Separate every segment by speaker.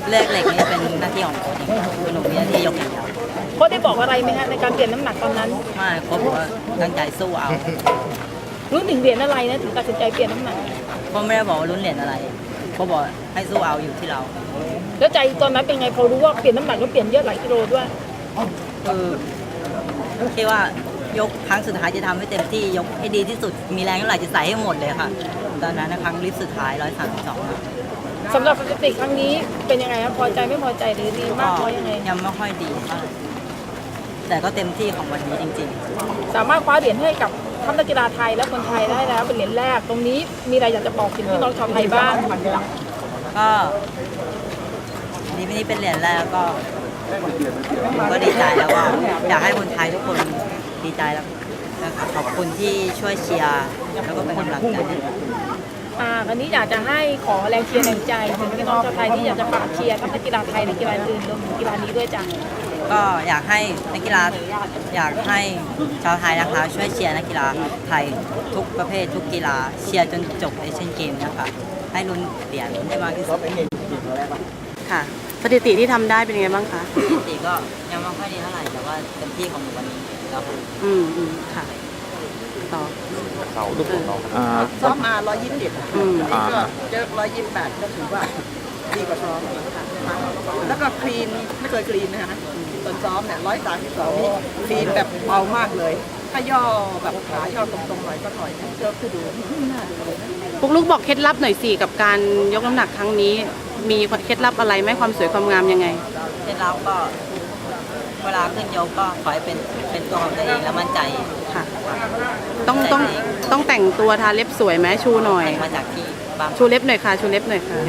Speaker 1: เลือกเหล็กนี่เป็นหน้าที่ของโค้ชเองครับคือหนูมีหน้าที่ยกอย่างเดียว
Speaker 2: โค้ชได้บอกอะไรไหมฮะในการเปลี่ยนน้ำหนักตอนนั้น
Speaker 1: ไม่โค้ชบอกว่าตั้งใจสู้เอา
Speaker 2: รู้ถึงเหรียญอะไรนะถึงตัดสินใจเปลี่ยนน้ำหนัก
Speaker 1: โค้ชไม่ได้บอกว่าลุ้นเหรียญอะไรโค้ชบอกให้สู้เอาอยู่ที่เรา
Speaker 2: แล้วใจตอนนั้นเป็นไงพอรู้ว่าเปลี่ยนน้ำหนักแล้วเปลี่ยนเยอะหลายกิโลด้วย
Speaker 1: คิดว่ายกครั้งสุดท้ายจะทำให้เต็มที่ยกให้ดีที่สุดมีแรงเท่าไหร่จะใส่ให้หมดเลยค่ะตอนนั้นนะครั้งลิฟต์สุดท้าย132
Speaker 2: สำหรับสถิติครั้งนี้เป็นยังไงครับพอใจไม่พอใจหรือดีมากน้อยยังไง
Speaker 1: ยังไม่ค่อยดีเท่าไหร่แต่ก็เต็มที่ของวันนี้จริง
Speaker 2: ๆสามารถคว้าเหรียญให้กับทัพนักกีฬาไทยและคนไทยได้แล้วเป็นเหรียญแรกตรงนี้มีอะไรอยากจะบอกถึงพี่น้องชาวไทยบ้าง
Speaker 1: ก็นี่เป็นเหรียญแรกก็ผมก็ดีใจแล้วก็อยากให้คนไทยทุกคนดีใจแล้วนะคะขอบคุณที่ช่วยเชียร์แล้วก็เป็นกำลังใจ
Speaker 2: วันนี้อยากจะให้ขอแรงเชียร์แรงใจถึงพี่น้องชาวไทยที่อยากจะฝากเชียร์ทั้งนักกีฬาไทยและกีฬาอื่นรวมถึงกีฬานี้ด้วยจ้ะ
Speaker 1: ก็อยากให้นักกีฬาอยากให้ชาวไทยนะคะช่วยเชียร์นักกีฬาไทยทุกประเภททุกกีฬาเชียร์จนจบเอเชียนเกมนะคะให้ลุ้นเหรียญได้มากที่สุด
Speaker 3: ค่ะสถิติที่ทำได้เป็นยังไงบ้างคะ
Speaker 1: สถิติก็ยังไม่ค่อยดีเท่าไหร่แต่ว่าเต็มที่ของวันนี้แล้ว
Speaker 3: ค่ะต่อ
Speaker 4: เสาลูกของน้อง
Speaker 5: ซ้อมมา121ก็เจอ128ก็ถือว่าดีกว่าซ้อมแล้วก็คลีนไม่เคยคลีนนะคะตอนซ้อมเนี่ย132นี่คลีนแบบเบามากเลยถ้าย่อแบบขาย่อตรงๆหน่อยก็ถอยเจอคือดู
Speaker 3: พวกลูกบอกเคล็ดลับหน่อยสิกับการยกน้ำหนักครั้งนี้มีเคล็ดลับอะไรไหมความสวยความงามยังไง
Speaker 1: เคล็ดลับก็เวลาขึ้นยกก็ขอให้เป็นตัวของตัวเองแล้วมั่นใจ
Speaker 3: ค่ะต้องแต่งตัวทาเล็บสวยไหมชูหน่อย
Speaker 1: มาจากที่
Speaker 3: ชูเล็บหน่อยค่ะชูเล็บหน่อยค่ะ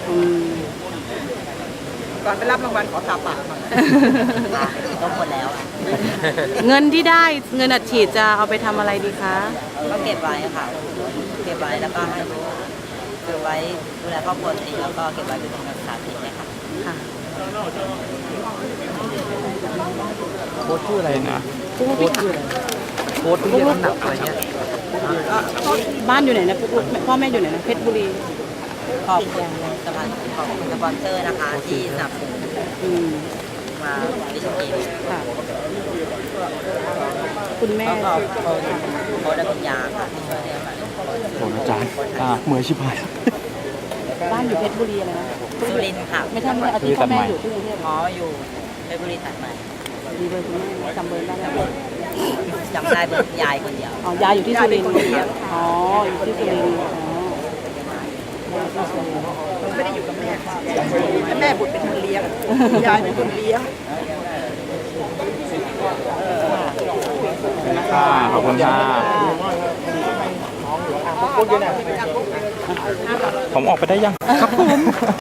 Speaker 5: ก่อนไปรับรางวัลขอทาปากหน่อย
Speaker 1: ต้องหมดแล้ว
Speaker 3: เงินที่ได้เงินอัดฉีดจะเอาไปทำอะไรดีคะ
Speaker 1: ก็เก็บไว้ค่ะเก็บไว้แล้วก็ให้เก็บไว้ดูแลครอบครัวเองแล้วก็เก็บไว้เป็นทุนการศึกษาเองนะคะ
Speaker 3: ค่ะ
Speaker 4: โค้ชชื่ออะไรนะ
Speaker 3: โค้ชชื่ออะไร
Speaker 4: โค้ชที่เรียนน้ำหนักอะไรเงี้ย
Speaker 3: บ้านอยู่ไหนนะพ่อแม่อยู่ไหนนะเพชรบุรี
Speaker 1: ขอบคุณสปอนเซอร์นะคะที่สนับสนุนมาดิฉันเอง
Speaker 3: ค่ะคุณแม่
Speaker 1: เขาได้คุณยาค่ะที่ช่วยเลี้ยงมา
Speaker 4: โอ้อาจารย์เหมือนชิบหาย
Speaker 3: บ้านอยู่เพชรบุรีอะไรนะ
Speaker 1: สุรินทร์ค่ะ
Speaker 3: ไม่ใช่อาทิตย์พ่อแม่อยู่ที่กรุงเทพ
Speaker 1: อยู่เพชรบุรีตัดใหม่
Speaker 3: มีเบอร์คุณแม่จำเบอร์ได้ไหม
Speaker 1: จำได้เบอร์ยายคนเดียวย
Speaker 3: ายอยู่ที่สุรินทร์อยู่ที่สุรินทร์
Speaker 5: ไม่ได้อยู่กับแม่บุตรเป็นคนเลี้ยงยายเป็นคนเลี้ยง
Speaker 4: ขอบคุณค่ะผมออกไปได้ยังครับผม